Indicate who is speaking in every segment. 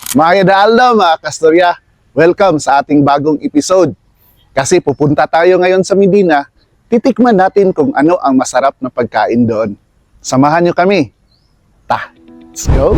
Speaker 1: Mga Idaaldo, mga Kastorya, welcome sa ating bagong episode. Kasi pupunta tayo ngayon sa Medina, titikman natin kung ano ang masarap na pagkain doon. Samahan nyo kami. Let's go!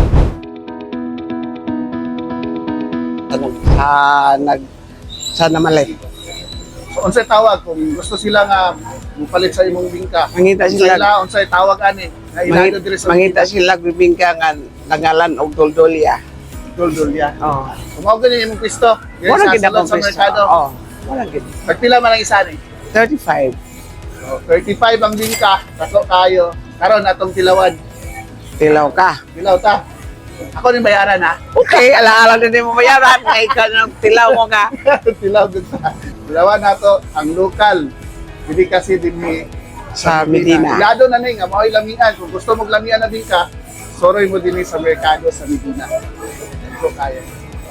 Speaker 2: Sa namalit.
Speaker 1: So, unsay tawag kung gusto sila nga mupalit sa imong bingka?
Speaker 2: Mangita sila.
Speaker 1: Unsay tawag ani? Na ilado diri sa
Speaker 2: Mangita sila bibingka nga nangalan og doldolya.
Speaker 1: Doldolya.
Speaker 2: Oh.
Speaker 1: Kung gani imong pisto,
Speaker 2: Wala gid
Speaker 1: sulod
Speaker 2: ako
Speaker 1: sa merkado.
Speaker 2: Oh. Wala gid.
Speaker 1: Nagpila man ang isa ni?
Speaker 2: 35.
Speaker 1: So, 35 ang bingka, tatlo kayo. Karon atong tilawan.
Speaker 2: Tilaw ka.
Speaker 1: Tilaw ta. Ako din bayaran ha.
Speaker 2: Okay, alaala din mo bayaran kay ikaw nang tilaw mo ka.
Speaker 1: Tilaw din ta. Tilawan nato ang lokal. Hindi kasi din ni
Speaker 2: Sa Medina.
Speaker 1: Ilado na ni nga mao'y lamian. Kung gusto mo lamian na bingka, soroy mo din sa merkado sa Medina. Ito kaya.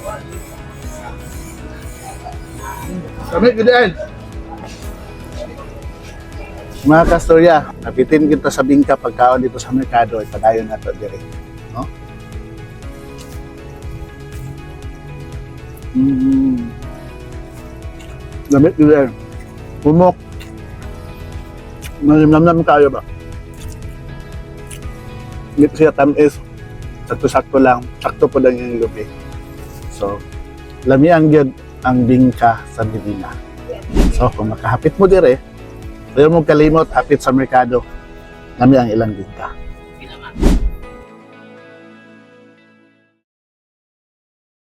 Speaker 1: Kami, good end. Mga Kastorya, napitin kita sa bingka pagkaon dito sa merkado, ipadayon na ito dire. No? Damit good end. Pumok. Malimnam kayo ba? Hindi siya tamis. Sakto-sakto lang. Sakto po lang yung lupi. So, lamian yun ang bingka sa Medina. So, kung makahapit mo dire, ayaw mong kalimot, hapit sa merkado, lami ang ilang bingka.